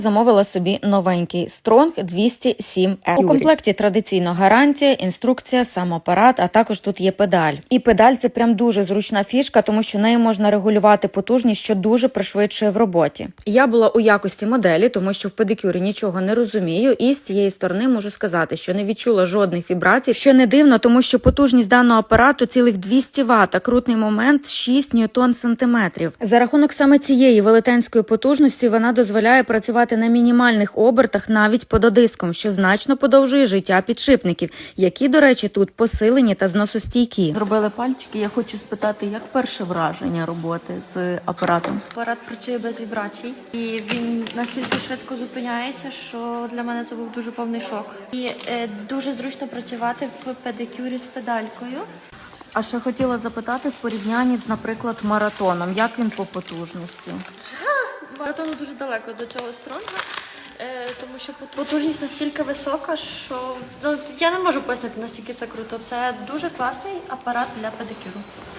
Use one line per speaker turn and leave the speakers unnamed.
Замовила собі новенький Strong 207R. У комплекті традиційно гарантія, інструкція, сам апарат, а також тут є педаль. І педаль – це прям дуже зручна фішка, тому що нею можна регулювати потужність, що дуже пришвидшує в роботі. Я була у якості моделі, тому що в педикюрі нічого не розумію, і з цієї сторони можу сказати, що не відчула жодних вібрацій, що не дивно, тому що потужність даного апарату цілих 200 Вт, а крутний момент 6 ньютон-сантиметрів. За рахунок саме цієї велетенської потужності вона дозволяє працювати на мінімальних обертах навіть пододиском, що значно подовжує життя підшипників, які, до речі, тут посилені та зносостійкі. Зробили пальчики, я хочу спитати, як перше враження роботи з апаратом?
Апарат працює без вібрацій, і він настільки швидко зупиняється, що для мене це був дуже повний шок. І дуже зручно працювати в педикюрі з педалькою.
А ще хотіла запитати в порівнянні з, наприклад, маратоном. Як він по потужності?
Маратону дуже далеко до цього Стронга, тому що потужність настільки висока, що я не можу пояснити, наскільки це круто. Це дуже класний апарат для педикюру.